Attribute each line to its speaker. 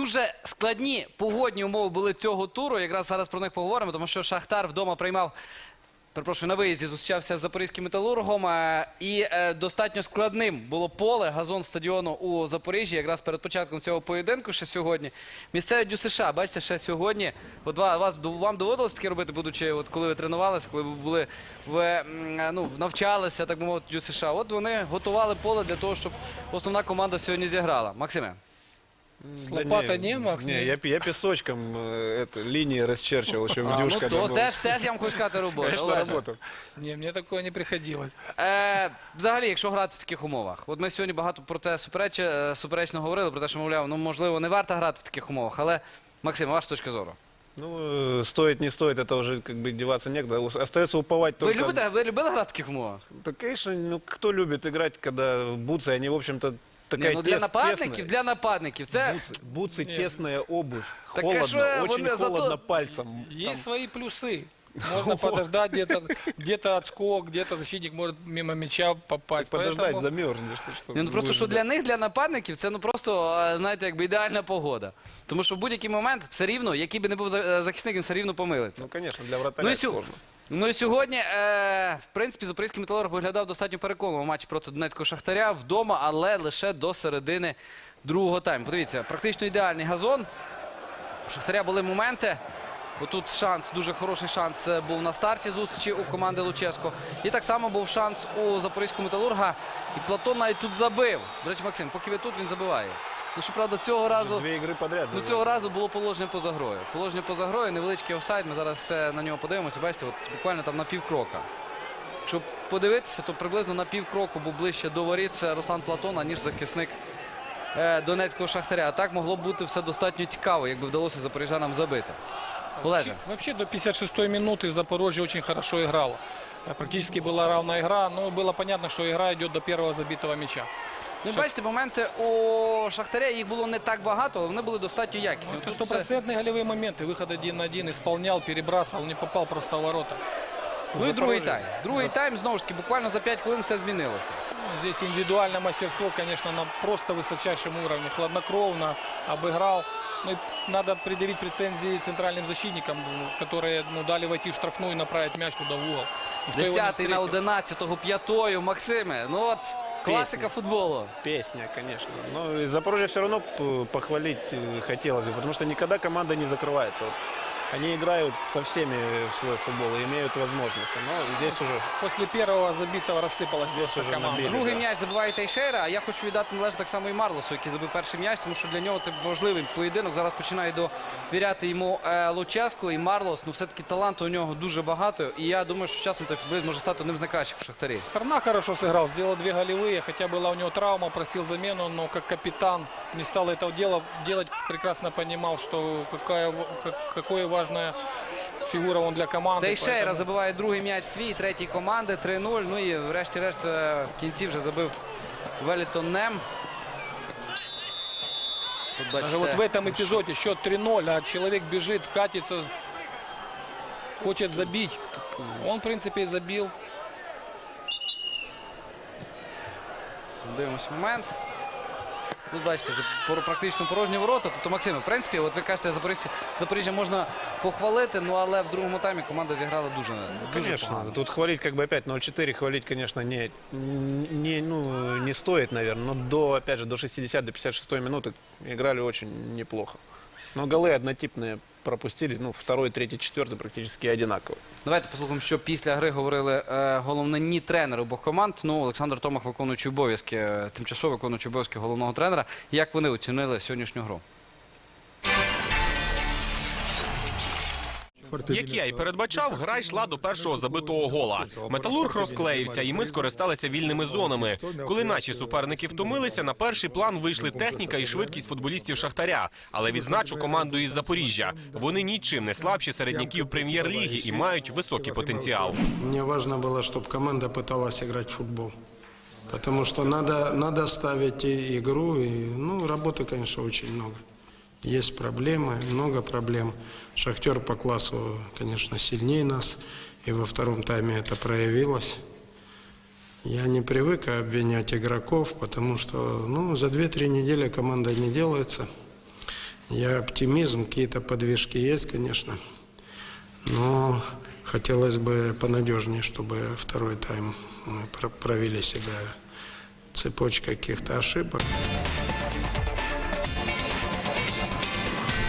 Speaker 1: дуже складні погодні умови були цього туру. Якраз зараз про них поговоримо, тому що Шахтар вдома приймав, перепрошую, на виїзді зустрічався з запорізьким Металургом. І достатньо складним було поле, газон стадіону у Запоріжжі, якраз перед початком цього поєдинку, ще сьогодні. Місцеві ДЮСШ, бачите, ще сьогодні. От вам доводилось таке робити, будучи, от коли ви тренувалися, коли ви були, навчалися, так би мовити, ДЮСШ. От вони готували поле для того, щоб основна команда сьогодні зіграла. Максиме?
Speaker 2: С лопатой не, Макс?
Speaker 3: Не, я песочком линии расчерчивал еще в дюшках.
Speaker 1: То теж я вам хочу сказати роботу.
Speaker 3: Конечно, работал.
Speaker 2: Не, мне такое не приходилось.
Speaker 1: Взагалі, якщо грати в таких умовах. От ми сьогодні багато про те суперечно говорили, про те, що, мовляв, можливо, не варто грати в таких умовах. Але, Максим, ваша точка зору?
Speaker 3: Ну, стоит, не стоит, это уже как бы деваться некуда. Остается уповать только...
Speaker 1: Ви любили грати в таких умовах?
Speaker 3: Да, конечно, ну, кто любит играть, когда бутсы, они, в общем-то, такая
Speaker 1: для нападників. Це...
Speaker 3: Бутсы, тесная обувь,
Speaker 1: Так,
Speaker 3: холодно, очень
Speaker 1: зато-
Speaker 3: холодно пальцем.
Speaker 2: Есть свои плюсы. Можно подождать, где-то отскок, где-то защитник может мимо мяча попасть.
Speaker 3: Подождать,
Speaker 2: Поэтому
Speaker 3: замерзнешь. Ты что,
Speaker 1: Просто,
Speaker 3: будешь
Speaker 1: що
Speaker 3: ждать?
Speaker 1: для них, для нападників, це просто, знаєте, якби ідеальна погода. Тому що в будь-який момент все рівно, який би не був захисник, він все рівно помилиться.
Speaker 3: Ну, конечно, для вратаря сложно.
Speaker 1: Ну і сьогодні, в принципі, запорізький Металург виглядав достатньо переконливо в матчі проти Донецького Шахтаря вдома, але лише до середини другого тайму. Подивіться, практично ідеальний газон. У Шахтаря були моменти. Отут шанс, дуже хороший шанс був на старті зустрічі у команди Луческо. І так само був шанс у запорізького Металурга. І Платон навіть тут забив. До речі, Максим, поки ви тут, він забиває. Ну, щоправда, цього разу...
Speaker 3: Дві ігри подряд.
Speaker 1: Ну, цього разу було положення поза грою. Положення поза грою, невеличкий офсайд. Ми зараз на нього подивимося. Бачите, от буквально там на півкрока. Якщо подивитися, то приблизно на півкроку був ближче до воріт це Руслан Платон, аніж захисник Донецького Шахтаря. А так могло б бути все достатньо цікаво, якби вдалося запоріжанам забити. Олеже.
Speaker 2: вообще до 56-й минуты Запорожье очень хорошо играло. Практически была равная игра, но было понятно, что игра идет до первого забитого мяча.
Speaker 1: Ну, бачите, моменти у Шахтаря, їх було не так багато, але вони були достатньо якісні.
Speaker 2: Это стопроцентные голевые моменты. Выход 1-1, исполнял, перебрасывал, не попал просто в ворота.
Speaker 1: Ну і другий тайм. Другий тайм, знову ж таки, буквально за 5 хвилин все змінилося.
Speaker 2: Здесь индивидуальное мастерство, конечно, на просто высочайшем уровне. Хладнокровно обыграл. Ну, и надо предъявить претензии центральным защитникам, которые дали войти в штрафную и направить мяч туда в угол. Никто его не
Speaker 1: 10-й на
Speaker 2: встретил.
Speaker 1: 11-го, 5-ю, Максиме. Ну от, класика футболу.
Speaker 3: Песня, конечно. Но и Запорожье все равно похвалить хотелось бы, потому что никогда команда не закрывается. Вот они играют со всеми в свой футбол и имеют возможности. Но здесь уже...
Speaker 2: После первого забитого рассыпалась просто
Speaker 3: уже
Speaker 2: команда.
Speaker 3: набили.
Speaker 1: Другий
Speaker 3: да.
Speaker 1: м'яч забиває Тейшера, а я хочу віддати належне так само і Марлосу, який забив перший м'яч, тому що для нього це важливий поєдинок. Зараз починає довіряти йому Луческу, і Марлос, ну все-таки таланту у нього дуже багато, і я думаю, що з часом цей футболіст може стати одним з найкращих у Шахтарі.
Speaker 2: Сторона хорошо сыграл, сделал 2 голевые, хотя была у него травма, просил замену, но как капитан не стал этого делать, прекрасно понимал, что какое важное фигура он для команды.
Speaker 1: Тейшера
Speaker 2: поэтому-
Speaker 1: забиває другий м'яч свій, третій команди, 3-0. Ну і врешті-решт в кінці вже забив Велітон Нем. Тут
Speaker 2: Даже
Speaker 1: бачите,
Speaker 2: вот в этом эпизоде счет 3-0, а человек бежит, катится, хочет забить. Он, в принципе, и забил.
Speaker 1: дивимось момент. Тут бачите, практично порожні ворота. Тобто, Максиме, в принципі, от ви кажете, Запоріжжя можна похвалити, ну але в другому таймі команда зіграла дуже
Speaker 3: Конечно,
Speaker 1: погано.
Speaker 3: тут хвалить как бы опять 0-4, хвалить, конечно, не стоит, наверное, но опять же, до 60, до 56 минуты играли очень неплохо. Но голы однотипные пропустили, ну, второй, третий, четвертый практически одинаково.
Speaker 1: Давайте послухаємо, що після гри говорили головні тренери обох команд. Ну, Олександр Томах, виконуючий обов'язки, тимчасово виконуючий обов'язки головного тренера. Як вони оцінили сьогоднішню гру?
Speaker 4: Як я і передбачав, гра йшла до першого забитого гола. Металург розклеївся, і ми скористалися вільними зонами. Коли наші суперники втомилися, на перший план вийшли техніка і швидкість футболістів Шахтаря. Але відзначу команду із Запоріжжя. Вони нічим не слабші середняків прем'єр-ліги і мають високий потенціал.
Speaker 5: Мне важно было, чтобы команда пыталась играть в футбол. Потому что надо ставить игру. И, ну, работы, конечно, очень много. Есть проблемы, много проблем. Шахтер по классу, конечно, сильнее нас. И во втором тайме это проявилось. Я не привык обвинять игроков, потому что, ну, за 2-3 недели команда не делается. Я оптимизм, какие-то подвижки есть, конечно. Но хотелось бы понадежнее, чтобы второй тайм мы провели себя. Цепочка каких-то ошибок.